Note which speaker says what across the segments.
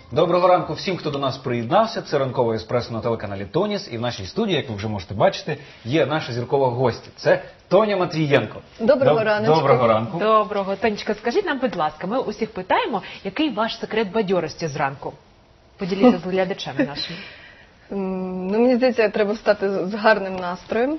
Speaker 1: Доброго ранку всім, хто до нас приєднався. Це ранкове еспресо на телеканалі Тоніс. І в нашій студії, як ви вже можете бачити, є наша зіркова гостя. Це Тоня Матвієнко.
Speaker 2: Доброго ранку.
Speaker 1: Доброго ранку.
Speaker 3: Доброго. Тонечка, скажіть нам, будь ласка, ми усіх питаємо, який ваш секрет бадьорості зранку? Поділіться з глядачами нашими.
Speaker 2: Ну, мені здається, треба встати з гарним настроєм.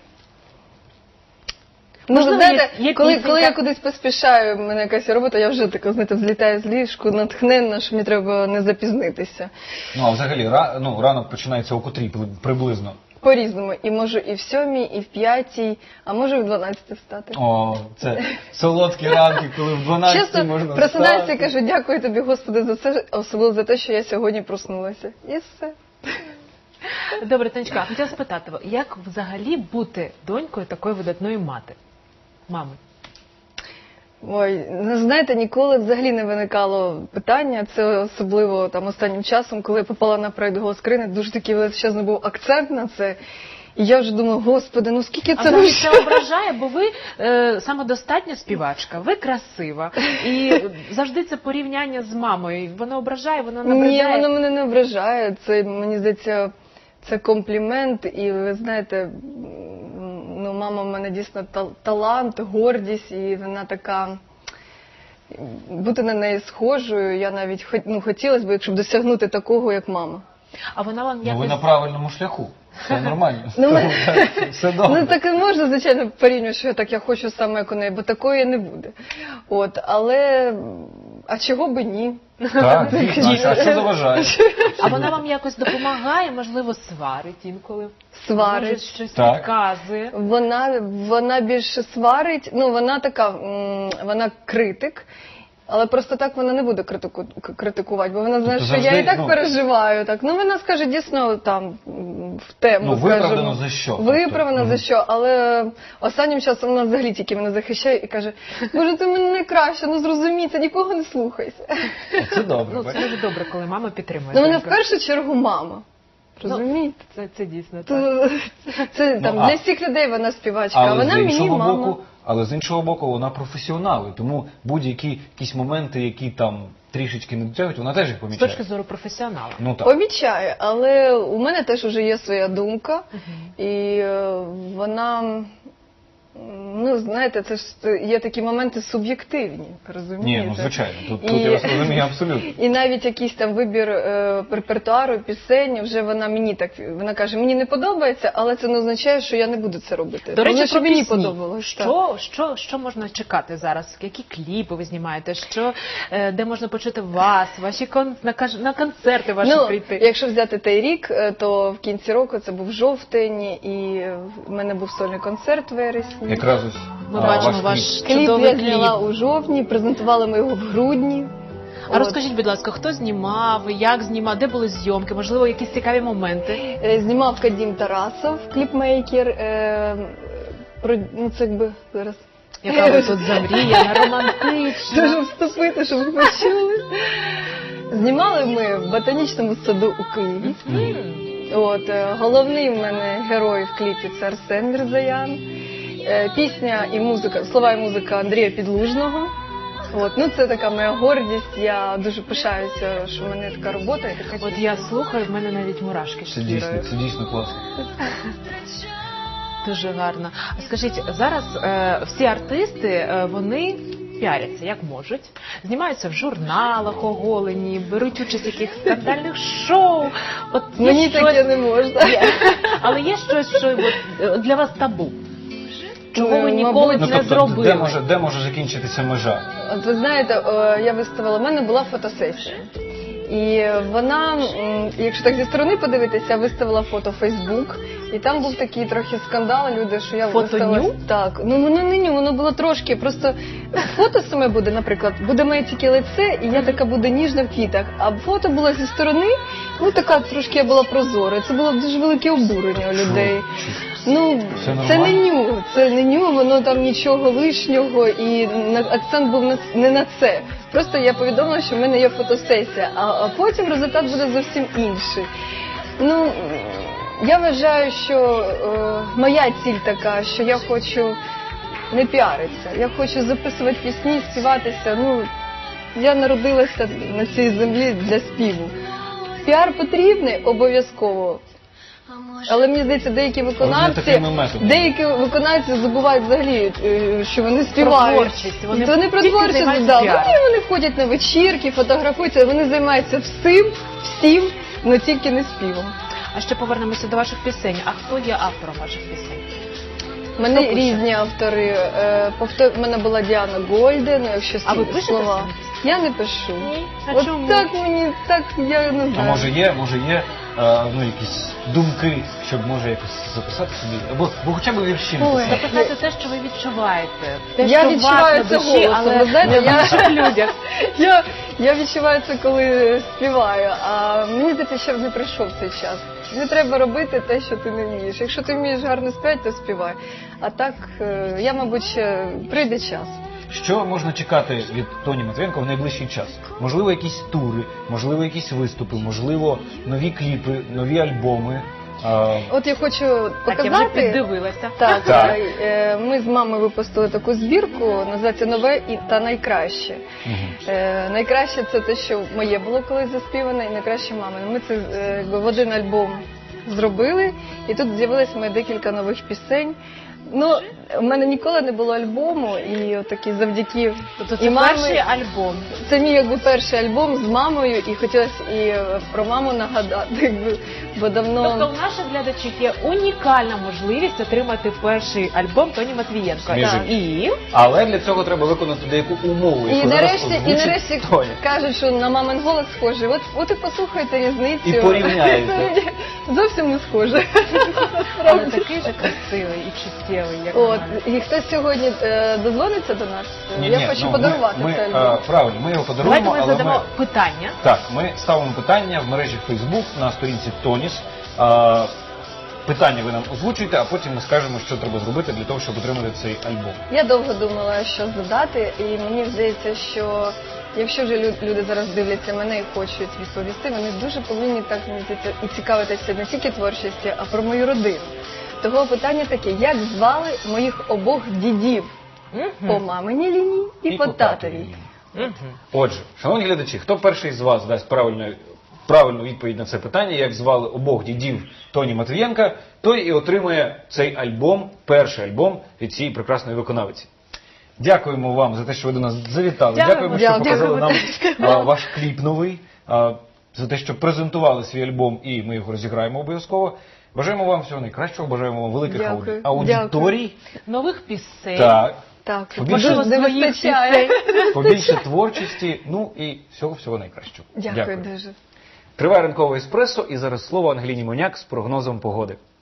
Speaker 3: Можливо,
Speaker 2: знаєте,
Speaker 3: є
Speaker 2: коли
Speaker 3: пісенька?
Speaker 2: я кудись поспішаю, в мене якась робота, я вже така, знаєте, взлітаю з ліжку, натхненна, що мені треба не запізнитися.
Speaker 1: Ну, а взагалі, ранок починається о котрій приблизно?
Speaker 2: По-різному. І можу і в 7-й, і в 5-й, а можу і в 12-й встати.
Speaker 1: О, це солодкі ранки, коли в 12-й
Speaker 2: Чесно,
Speaker 1: можна
Speaker 2: просинаюся і
Speaker 1: встати.
Speaker 2: кажу, дякую тобі, Господи, за це, особливо за те, що я сьогодні проснулася. І все.
Speaker 3: Добре, Тонечка, хотіла спитати, як взагалі бути донькою такої видатної мами?
Speaker 2: Ой, ну знаєте, ніколи взагалі не виникало питання, це особливо там останнім часом, коли я попала на проект «Голос країни», дуже такий величезний був акцент на це. І я вже думаю, Господи, ну скільки це
Speaker 3: А вас це ображає, бо ви самодостатня співачка, ви красива. І завжди це порівняння з мамою. Воно ображає, воно набридає.
Speaker 2: Ні, воно мене не ображає. Це, мені здається, це комплімент. І ви знаєте, ну, мама в мене дійсно талант, гордість, і вона така... Бути на неї схожою, я навіть хотілося б, щоб досягнути такого, як мама.
Speaker 3: А вона вам
Speaker 1: Ну,
Speaker 3: якось...
Speaker 1: ви на правильному шляху. Все нормально. Все
Speaker 2: Ну,
Speaker 1: добре.
Speaker 2: так і можна, звичайно, порівнювати, що я хочу саме як у неї, бо такої не буде. От, але, а чого би ні?
Speaker 1: Так, дійсно. А що заважає?
Speaker 3: А вона вам якось допомагає, можливо, сварить інколи?
Speaker 2: Сварить.
Speaker 3: Може, щось
Speaker 1: Так.
Speaker 3: підказує?
Speaker 2: Вона більше сварить, ну, вона така, вона критик. Але просто так вона не буде критикувати, бо вона знає,
Speaker 1: Тобто
Speaker 2: що я
Speaker 1: завжди,
Speaker 2: і так переживаю. Так. Ну, вона скаже дійсно там в тему.
Speaker 1: Ну, виправдано
Speaker 2: скажімо.
Speaker 1: за що?
Speaker 2: Виправдано
Speaker 1: Тобто,
Speaker 2: за що, але останнім часом вона взагалі тільки мене захищає і каже, Боже, ти мене найкраще, ну зрозумій, це нікого не слухайся.
Speaker 1: Це добре.
Speaker 3: Ну, це дуже добре, коли мама підтримує.
Speaker 2: Ну, мене в
Speaker 3: доньку.
Speaker 2: першу чергу мама. Розумієте?
Speaker 3: Це дійсно так.
Speaker 2: Це там
Speaker 1: Ну,
Speaker 2: для всіх людей вона співачка, а вона
Speaker 1: з
Speaker 2: мені
Speaker 1: іншого
Speaker 2: мама.
Speaker 1: боку, але з іншого боку, вона професіонал, і тому будь-які якісь моменти, які там трішечки не дотягують, вона теж їх
Speaker 3: З
Speaker 1: помічає.
Speaker 3: точки зору професіонала.
Speaker 1: Ну так.
Speaker 2: Помічає, але у мене теж вже є своя думка, і вона, ну, знаєте, це ж є такі моменти суб'єктивні, розумієте?
Speaker 1: Ні, ну звичайно, тут
Speaker 2: І-
Speaker 1: я вас розумію абсолютно.
Speaker 2: І навіть якийсь там вибір репертуару, пісень, вже вона мені так, вона каже, мені не подобається, але це не означає, що я не буду це робити.
Speaker 3: До речі,
Speaker 2: Головне, щоб
Speaker 3: про
Speaker 2: мені
Speaker 3: пісні.
Speaker 2: подобалось. так.
Speaker 3: Що можна чекати зараз? Які кліпи ви знімаєте? Де можна почути вас, ваші на концерти ваші
Speaker 2: Ну,
Speaker 3: прийти?
Speaker 2: якщо взяти той рік, то в кінці року це був жовтень, і в мене був сольний концерт в вересні.
Speaker 1: Якраз ось
Speaker 3: Ми бачимо
Speaker 1: ваш
Speaker 3: ваш
Speaker 2: Кліп
Speaker 3: чудовий
Speaker 2: я
Speaker 3: кліп.
Speaker 2: зняла у жовтні, презентували ми його в грудні.
Speaker 3: А розкажіть, будь ласка, хто знімав, як знімав, де були зйомки, можливо, якісь цікаві моменти?
Speaker 2: Знімав Кадім Тарасов, кліпмейкер. Ну, це якби зараз.
Speaker 3: Яка ви тут замріяна, романтична.
Speaker 2: Дуже вступити, щоб ви почули. Знімали ми в ботанічному саду у Києві. От, головний в мене герой в кліпі – це Арсен Мірзаян. Пісня і музика, слова і музика Андрія Підлужного. От, ну це така моя гордість, я дуже пишаюся, що в мене така робота і така
Speaker 3: От я слухаю, в мене навіть мурашки шкірою.
Speaker 1: це дійсно класно.
Speaker 3: Дуже гарно. А скажіть, зараз всі артисти, вони піаряться, як можуть, знімаються в журналах оголені, беруть участь в якихось скандальних шоу. От є
Speaker 2: Мені
Speaker 3: щось-
Speaker 2: таке не можна.
Speaker 3: Але є щось, що от, для вас табу? Чого ви ніколи
Speaker 2: Мабуть,
Speaker 1: Ну,
Speaker 3: не
Speaker 1: тобто,
Speaker 3: зробили?
Speaker 1: де може закінчитися межа?
Speaker 2: От ви знаєте, я виставила, в мене була фотосесія. І вона, якщо так зі сторони подивитися, я виставила фото в Фейсбук, і там був такий трохи скандал, люди, що я виставила...
Speaker 3: Фото-ню?
Speaker 2: Так, ну воно не ню, воно було трошки, просто фото саме буде, наприклад, буде моє тільки лице, і я така буде ніжна в квітах, а фото було зі сторони, ну така трошки я була прозора, це було дуже велике обурення у людей. Ну, це не ню, воно там нічого лишнього, і акцент був не на це. Просто я повідомила, що в мене є фотосесія, а потім результат буде зовсім інший. Ну, я вважаю, що моя ціль така, що я хочу не піаритися, я хочу записувати пісні, співатися. Ну, я народилася на цій землі для співу. піар потрібний обов'язково. Але мені здається, деякі
Speaker 1: такими методами.
Speaker 2: деякі виконавці забувають взагалі, що вони співають.
Speaker 3: творчість. Вони
Speaker 2: про
Speaker 3: тільки
Speaker 2: творчість,
Speaker 3: займаються
Speaker 2: да.
Speaker 3: піаром.
Speaker 2: Вони ходять на вечірки, фотографуються, вони займаються всім, але тільки не співом.
Speaker 3: А ще повернемося до ваших пісень. А хто є автором ваших пісень?
Speaker 2: У мене
Speaker 3: пише?
Speaker 2: різні автори. У мене була Діана Гольден, якщо
Speaker 3: А ви пишете
Speaker 2: слова.
Speaker 3: самі?
Speaker 2: Я не пишу.
Speaker 3: Ні? А
Speaker 2: От
Speaker 3: чому?
Speaker 2: так мені, так я не
Speaker 1: А
Speaker 2: знаю.
Speaker 1: може є якісь думки, щоб може якось записати собі, або хоча б вірші
Speaker 2: Ой.
Speaker 1: написати.
Speaker 3: Записати те, що ви відчуваєте. Те,
Speaker 2: Я
Speaker 3: що у
Speaker 2: відчуваю
Speaker 3: вас
Speaker 2: це
Speaker 3: на душі,
Speaker 2: голосом.
Speaker 3: але
Speaker 2: Ви знаєте,
Speaker 3: не в
Speaker 2: я-
Speaker 3: інших людях.
Speaker 2: Я відчуваю це, коли співаю, а мені здається, ще не прийшов цей час. Не треба робити те, що ти не вмієш. Якщо ти вмієш гарно співати, то співай. А так, я, мабуть, ще прийде час.
Speaker 1: Що можна чекати від Тоні Матвієнко в найближчий час? Можливо, якісь тури, можливо, якісь виступи, можливо, нові кліпи, нові альбоми.
Speaker 2: От я хочу
Speaker 3: Так, я вже
Speaker 2: показати.
Speaker 3: піддивилася.
Speaker 2: Так,
Speaker 1: Так.
Speaker 2: ми з мамою випустили таку збірку, називається «Нове та найкраще». Найкраще це те, що моє було колись заспіване, і найкраще мамине. Ми це якби в один альбом зробили, і тут з'явилось моє декілька нових пісень. Ну, в мене ніколи не було альбому, і отакі завдяки
Speaker 3: Тобто
Speaker 2: і
Speaker 3: це
Speaker 2: мамі.
Speaker 3: перший альбом.
Speaker 2: Це мій якби перший альбом з мамою, і хотілося і про маму нагадати, якби, бо давно.
Speaker 3: Тобто у наших глядачів є унікальна можливість отримати перший альбом Тоні Матвієнко.
Speaker 1: Між
Speaker 3: Так. І
Speaker 1: Але для цього треба виконати деяку умову,
Speaker 2: І
Speaker 1: яку зараз
Speaker 2: нарешті
Speaker 1: озвучить Тоня.
Speaker 2: кажуть, що на мамин голос схожий. От і послухайте різницю.
Speaker 1: І порівняєте.
Speaker 2: Зовсім не схоже.
Speaker 3: але такий же красивий і чуттєвий, як
Speaker 2: От,
Speaker 3: вона.
Speaker 2: і хтось сьогодні дозвониться до нас.
Speaker 1: Ні,
Speaker 2: Я хочу подарувати
Speaker 1: ми,
Speaker 2: цей альбом.
Speaker 1: правильно, ми його
Speaker 3: Давайте
Speaker 1: подаруємо,
Speaker 3: ми
Speaker 1: але
Speaker 3: задамо питання.
Speaker 1: Так, ми ставимо питання в мережі Facebook на сторінці Тоніс. Питання ви нам озвучуєте, а потім ми скажемо, що треба зробити для того, щоб отримати цей альбом.
Speaker 2: Я довго думала, що задати, і мені здається, що якщо вже люди зараз дивляться мене і хочуть відповісти, вони дуже повинні так мені здається, і цікавитися не тільки творчістю, а про мою родину. Того питання таке: як звали моїх обох дідів по маминій лінії і по татовій?
Speaker 3: Мгм.
Speaker 1: Отже, шановні глядачі, хто перший з вас дасть правильну відповідь на це питання, як звали обох дідів Тоні Матвієнка, той і отримує цей альбом, перший альбом від цієї прекрасної виконавиці. Дякуємо вам за те, що ви до нас завітали.
Speaker 3: Дякуємо.
Speaker 1: Дякуємо, що
Speaker 2: Дякую.
Speaker 1: показали нам ваш кліп новий, за те, що презентували свій альбом, і ми його розіграємо обов'язково. Бажаємо вам всього найкращого, бажаємо вам великих
Speaker 2: Дякую.
Speaker 1: аудиторій.
Speaker 3: Нових пісень.
Speaker 1: Так,
Speaker 2: Так,
Speaker 1: Побільше
Speaker 2: дуже не
Speaker 3: своїх
Speaker 2: вистачає.
Speaker 1: побільше творчості, ну і всього найкращого.
Speaker 2: Дякую дуже.
Speaker 1: Триває ранкове еспресо, і зараз слово Ангеліні Моняк з прогнозом погоди.